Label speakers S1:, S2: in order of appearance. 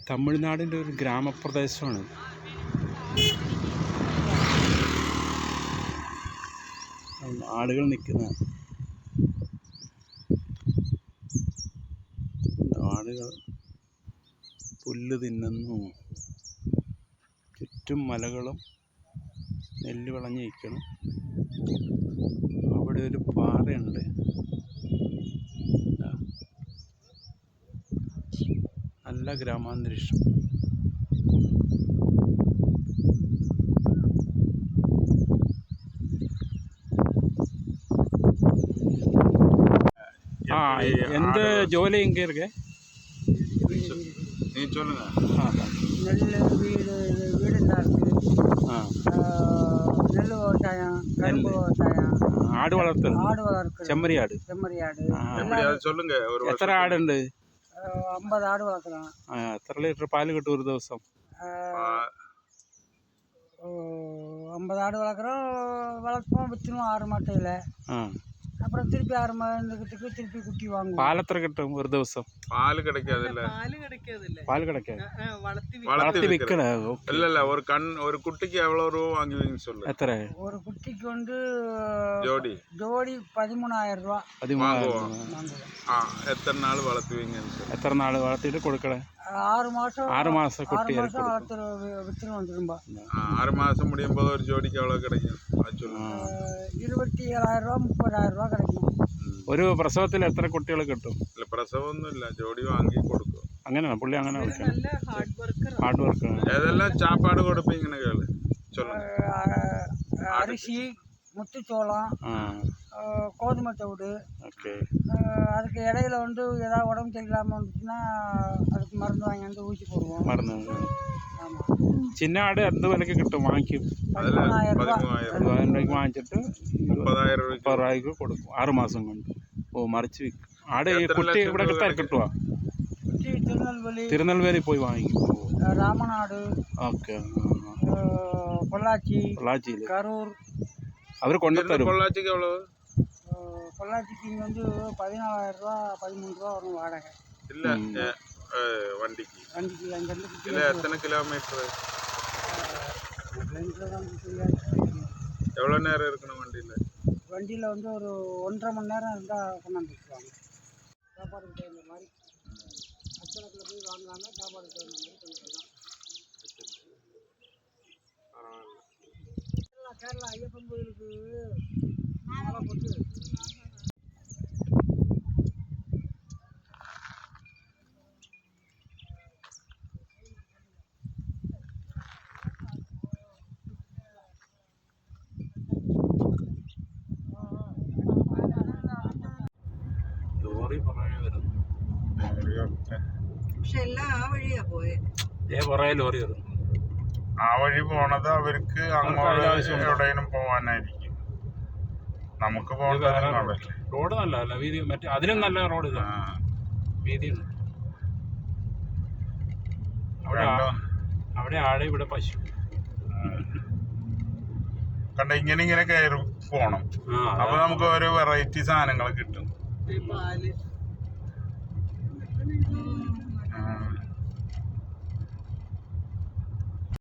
S1: തമിഴ്നാടിൻ്റെ ഒരു ഗ്രാമപ്രദേശമാണ്. ആളുകൾ നിൽക്കുന്ന ആളുകൾ പുല്ല് തിന്നുന്നു. ചുറ്റും മലകളും നെല്ല് വിളഞ്ഞ് നിൽക്കണം. അവിടെ ഒരു പാറയുണ്ട്. നല്ല ഗ്രാമാന്തരീക്ഷം. எந்த ஜோலி எங்கே இருக்கு?
S2: நீ சொல்லுங்க.
S3: நெல் வீடு தான் இருக்குது. நெல் விவசாயம், கரும்பு விவசாயம்,
S1: ஆடு வளர்த்தல்,
S3: செம்மறி
S1: ஆடு.
S2: சொல்லுங்க.
S1: எத்தனை ஆடு உண்டு?
S3: 50 ஆடு வளர்க்குறோம்.
S1: എത്ര ലിറ്റർ പാല് കിട്ടും ഒരു ദിവസം?
S3: 50 ஆடு வளர்ப்போம், விற்றுவோம் 6 மாட்டையில். அப்புறம் திருப்பி 6 மாதத்துக்கு திருப்பி குட்டி வாங்குவோம்.
S1: பால் எത്ര കിട്ടും ഒരു ദിവസം?
S2: பால் கிடைக்காது.
S1: வளர்த்தி விற்கணும்.
S2: இல்ல ஒரு குட்டிக்கு எவ்வளவு ரூபா வாங்குவீங்கன்னு சொல்லு.
S1: எத்தனை?
S3: ஒரு குட்டிக்கு வந்து
S2: ஜோடி
S3: 13,000 ரூபா.
S1: 13,000.
S2: எத்தனை நாள் வளர்த்துவீங்கன்னு சொல்லு.
S1: எத்தனை நாள் வளர்த்திட்டு கொடுக்கல?
S3: 6 மாதம்.
S1: 6 மாதம் குட்டி
S3: வளர்த்து விற்றுருவோம் திரும்ப.
S2: 6 மாதம் முடியும் போது ஒரு ஜோடிக்கு எவ்வளவு கிடைக்கும் அது சொல்லுங்க.
S3: 27,000 ரூபா 30,000 ரூபா கிடைக்கும்.
S1: ഒരു പ്രസവത്തിൽ എത്ര കുട്ടികൾ കിട്ടും?
S2: ഇല്ല, പ്രസവമൊന്നുമില്ല, ജോഡി വാങ്ങി കൊടുക്കും.
S1: അങ്ങനെയാണ് പുള്ളി അങ്ങനെ ഹാർഡ് വർക്ക്.
S2: ഏതെല്ലാം சாப்பாடு கொடுப்பீங்கன்னு கேளு. சொல்லுங்க.
S3: அரிசி, முத்துச்சோளம், கோதுமை தவிடு.
S1: ஓகே.
S3: அதுக்கு இடையில வந்து ஏதாவது உடம்பு சரியில்லாமல் வந்துச்சுன்னா அதுக்கு மருந்து வாங்கி வந்து ஊசி போடுவோம்.
S1: மருந்து. சின்ன ஆடு எந்த விலைக்கு கிട്ടും? വാങ്ങിക്കും.
S3: 13,000 ரூபா.
S1: 13,000 രൂപയ്ക്ക് വാങ്ങിച്ചിട്ട്
S2: 30,000
S1: രൂപയ്ക്ക് കൊടുക്കും 6 മാസം കൊണ്ട്. മറിച്ച് വിൽക്കും. ആട് കുട്ടി ഇവിടെ കിട്ടുമോ?
S3: குட்டி
S1: തിരുനെൽവേലി പോയി വാങ്ങിക്കും.
S3: ராமநாடு,
S1: ഓക്കെ.
S3: பொள்ளாச்சி, கரூர்.
S1: അവർ கொண்டுத்தரும்.
S2: பொள்ளாச்சிக்கு எவ்வளவு?
S3: பொள்ளாச்சிக்கு இங்கே வந்து 14,000 ரூபா 13 ரூபா வரும் வாடகை.
S2: இல்லை வண்டிக்கு
S3: அங்கேருந்து.
S2: இல்லை, எத்தனை கிலோமீட்டர்? எவ்வளோ நேரம் இருக்கணும் வண்டியில்
S3: வந்து ஒரு 1.5 மணி நேரம் இருந்தால் கொண்டாந்து வச்சுருவாங்க. சாப்பாடுக்கு தகுந்த மாதிரி அச்சலத்தில் போய் வாங்கலாம்னா சாப்பாடுக்கு தகுந்த மாதிரி பண்ணிக்கலாம். கேரளா ஐயப்பன் கோயிலுக்கு மாலை போட்டு പക്ഷെ എല്ലാം ആ വഴിയാ പോയെ.
S1: ലോറി വരും.
S2: ആ വഴി പോണത് അവർക്ക് അങ്ങോട്ട് എവിടെയും പോവാനായിരിക്കും. നമുക്ക് പോകണ്ടല്ലേ.
S1: റോഡ് നല്ല വീതി, മറ്റേ അതിനും നല്ല റോഡ് വീതിയുണ്ട്. അവിടെ ആട്, ഇവിടെ പശു.
S2: കണ്ട ഇങ്ങനെ കയറി പോണം. അപ്പൊ നമുക്ക് ഓരോ വെറൈറ്റി സാധനങ്ങൾ കിട്ടും.
S3: പാല്